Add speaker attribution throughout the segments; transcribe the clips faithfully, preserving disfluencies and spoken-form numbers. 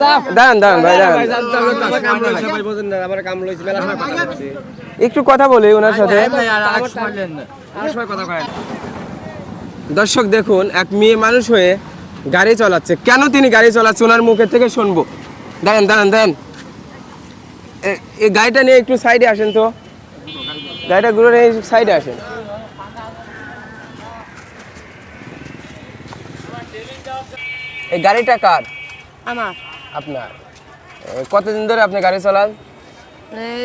Speaker 1: দাঁড়ান দাঁড়ান ভাই দাঁড়ান, একটু কথা বলি ওনার সাথে। দর্শক দেখুন, এক মেয়ে মানুষ হয়ে গাড়ি চালাচ্ছে। কেন তিনি গাড়ি চালাচ্ছে ওনার মুখের থেকে শুনবো। দাঁড়ান দাঁড়ান দাঁড়ান, এই গাড়িটা নিয়ে একটু সাইডে আসেন তো, গাড়িটা ঘুরে নিয়ে সাইডে আসেন। এই গাড়িটা কার?
Speaker 2: আমার।
Speaker 1: আপনার? কতদিন ধরে আপনি গাড়ি চালান?
Speaker 2: এই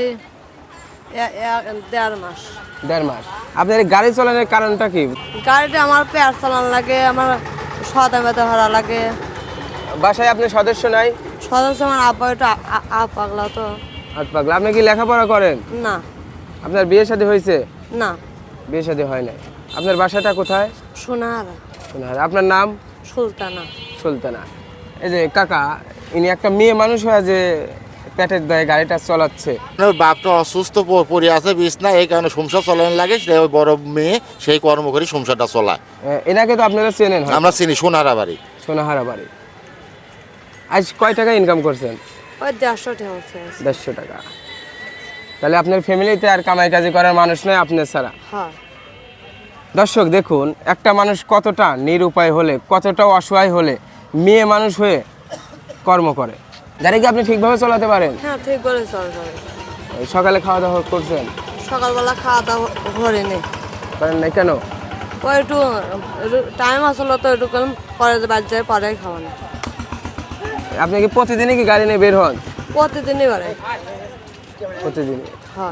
Speaker 2: দেড় মাস।
Speaker 1: দেড় মাস। আপনার এই গাড়ি চালানোর কারণটা কি?
Speaker 2: গাড়িটা আমার পেয়ার চালান লাগে, আমার সদা মেতে ভাড়া লাগে।
Speaker 1: বাসায় আপনার সদস্য নাই?
Speaker 2: সদস্য আমার আব্বা একটু আ পাগলা তো।
Speaker 1: হাত পাগলা। আপনি কি লেখাপড়া করেন?
Speaker 2: না।
Speaker 1: আপনার বিয়ে শাদী হয়েছে?
Speaker 2: না।
Speaker 1: বিয়ে শাদী হয় নাই। আপনার বাসাটা কোথায়?
Speaker 2: সোনাহারা।
Speaker 1: সোনাহারা। আপনার নাম?
Speaker 2: সুলতানা।
Speaker 1: সুলতানা। এই যে কাকা, ইনি একটা মেয়ে মানুষ হয়ে যে পেটের দায়ে গাড়িটা চালাচ্ছে।
Speaker 3: বাপটা অসুস্থ পড়ে আছে বিছনা, এই কারণে সংসার চলানো লাগে, সে বড় মেয়ে সেই কর্ম করে সংসারটা চলায়।
Speaker 1: এনাকে তো আপনারা চেনেন?
Speaker 3: আমরা চিনি, সোনাহারা বাড়ি।
Speaker 1: সোনাহারা বাড়ি। আজ কয় টাকা ইনকাম করছেন?
Speaker 2: ওই দেড়শো টাকা হচ্ছে।
Speaker 1: দেড়শো টাকা। তাহলে আপনার ফ্যামিলিতে আর কামাই কাজি করার মানুষ নয় আপনার ছাড়া?
Speaker 2: হ্যাঁ।
Speaker 1: দর্শক দেখুন, একটা মানুষ কতটা নিরুপায় হলে, কতটা অসহায় হলে মেয়ে মানুষ হয়ে কর্ম করে। গাড়ি কি আপনি ঠিকভাবে চালাতে পারেন?
Speaker 2: হ্যাঁ, ঠিক করে চলে চলে।
Speaker 1: সকালে খাওয়া দাওয়া করছেন?
Speaker 2: সকালবেলা খাওয়া দাওয়া ঘরে নেই।
Speaker 1: করেন নাই কেন?
Speaker 2: ওই একটু টাইম আসলো তো, একটু পরে বাদ যায়, পরে খাওয়া না।
Speaker 1: আপনি কি প্রতিদিনই কি গাড়ি নিয়ে বের হন?
Speaker 2: প্রতিদিনই করে।
Speaker 1: প্রতিদিন?
Speaker 2: হ্যাঁ।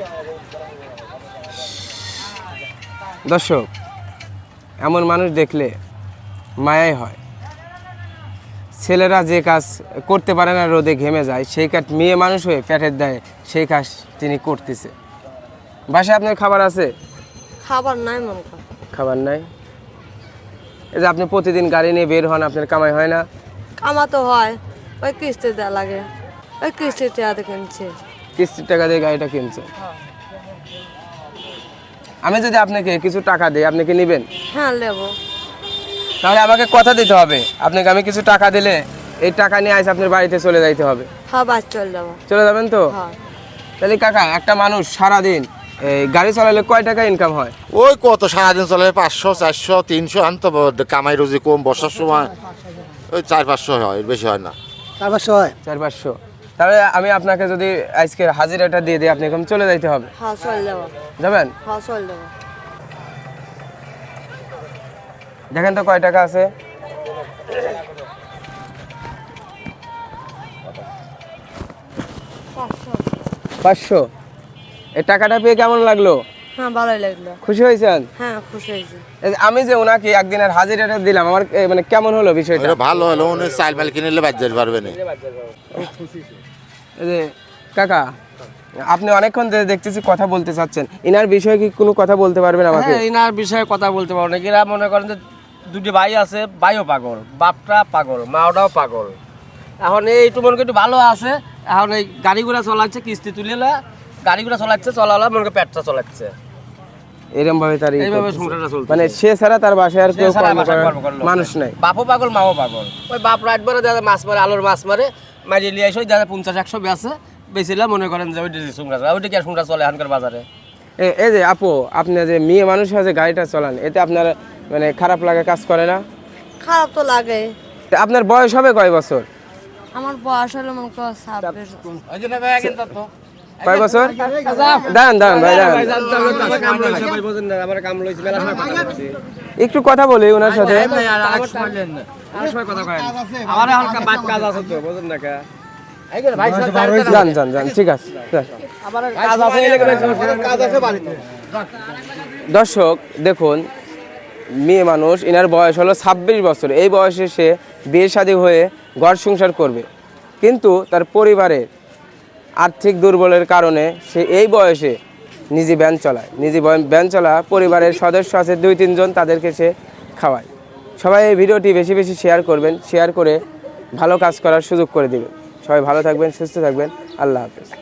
Speaker 1: দর্শক, এমন মানুষ দেখলে মায়াই হয়। ছেলেরা যে কাজ করতে পারে না, রোদে ঘেমে যায়, সেই কাজ মেয়ে মানুষ হয়ে পেটের দায়ে সেই কাজ তিনি করতেছে। বাসায় আপনার খাবার আছে?
Speaker 2: খাবার নাই মন কর।
Speaker 1: খাবার নাই। এই যে আপনি প্রতিদিন গাড়ি নিয়ে বের হন, আপনার কামাই হয় না?
Speaker 2: কামা তো হয়, ওই কিস্তি দেওয়া লাগে, ওই কিস্তির টাকা কিনছে।
Speaker 1: কিস্তির টাকা দিয়ে গাড়িটা কিনছে। আমি যদি আপনাকে কিছু টাকা দিই, আপনি কি নেবেন?
Speaker 2: হ্যাঁ, নেবো।
Speaker 1: তাহলে আমাকে কথা দিতে হবে, আপনাকে আমি কিছু টাকা দিলে এই টাকা নিয়ে আইসে আপনার বাড়িতে চলে যাইতে হবে।
Speaker 2: হ্যাঁ, বাস চলে যাবো।
Speaker 1: চলে যাবেন তো?
Speaker 2: হ্যাঁ।
Speaker 1: তাহলে কাকা, একটা মানুষ সারাদিন এই গাড়ি চালালে কয় টাকা ইনকাম হয়?
Speaker 3: ওই কত সারাদিন চলে, পাঁচশো চারশো তিনশো, আনতো কামাই রুজি কম, বর্ষার সময় ওই চার পাঁচশো হয়, বেশি হয় না।
Speaker 1: চার পাঁচশো হয়? চার পাঁচশো। তাহলে আমি আপনাকে যদি আজকের হাজিরাটা দিয়ে দিই, আপনাকে চলে যাইতে হবে?
Speaker 2: হ্যাঁ, চলে যাবো।
Speaker 1: যাবেন?
Speaker 2: হ্যাঁ, চলে যাবো।
Speaker 1: দেখেন তো কয় টাকা আছে। পাঁচশো। এই টাকাটা পেয়ে কেমন লাগলো?
Speaker 2: হ্যাঁ, ভালোই লাগলো।
Speaker 1: খুশি হয়েছেন?
Speaker 2: হ্যাঁ, খুশি হয়েছি।
Speaker 1: আমি যে ওনাকে একদিনের হাজিরাটা দিলাম, আমার মানে কেমন হলো বিষয়টা?
Speaker 3: ভালো হলো, উনি চাল মাল কিনে নিলে বাদ যেতে পারবে না।
Speaker 1: এই যে কাকা, আপনি অনেকক্ষণ ধরে দেখতেছি কথা বলতে চাচ্ছেন, ইনার বিষয়ে কি কোনো কথা বলতে পারবেন আমাকে?
Speaker 4: হ্যাঁ, ইনার বিষয়ে কথা বলতে পারবো না। এরা মনে করেন যে দুটি ভাই আছে, ভাইও পাগল, বাপটা পাগল, মাওটাও পাগল। এখন এইটু মনে করি একটু ভালো আছে, এখন এই গাড়িগুলা চলাচ্ছে, কিস্তি তুলে গাড়িগুলা চলাচ্ছে, চলালা মনে করি পেটটা চলাচ্ছে।
Speaker 1: এরকম ভাবে তার
Speaker 4: এইভাবে সংসারটা চলছে।
Speaker 1: মানে সে ছাড়া তার বাসায় আর কেউ মানুষ নাই।
Speaker 4: বাপও পাগল, মাও পাগল। ওই বাপ রাত ভরে দেখা মাছ মারে, আলোর মাছ মারে, মারি লিয়ে আসে দেখা পঞ্চাশ একশো বেছে বেছিলাম, মনে করেন যে ওইটা সংসার চলে, ওইটা কি আর সংসার চলে এখনকার বাজারে?
Speaker 1: এই যে আপু, আপনি যে মেয়ে মানুষ হয়ে যে গাড়িটা চালান, এতে আপনার মানে খারাপ লাগে কাজ করে না?
Speaker 2: খারাপ তো লাগে।
Speaker 1: আপনার বয়স হবে কয় বছর?
Speaker 2: আমার বয়স হলো মনে করো ছাব্বিশ।
Speaker 1: কয় বছর? দাঁড়ান দাঁড়ান ভাই, দাঁড়ান, একটু কথা বলি ওনার সাথে। যান যান যান, ঠিক আছে। দর্শক দেখুন, মেয়ে মানুষ, এনার বয়স হলো ছাব্বিশ বছর। এই বয়সে সে বিয়ে শাদী হয়ে ঘর সংসার করবে, কিন্তু তার পরিবারের আর্থিক দুর্বলের কারণে সে এই বয়সে নিজে ভ্যান চালায়। নিজে ভ্যান চালা, পরিবারের সদস্য আছে দুই তিনজন, তাদেরকে সে খাওয়ায়। সবাই এই ভিডিওটি বেশি বেশি শেয়ার করবেন, শেয়ার করে ভালো কাজ করার সুযোগ করে দিবেন। সবাই ভালো থাকবেন, সুস্থ থাকবেন। আল্লাহ হাফেজ।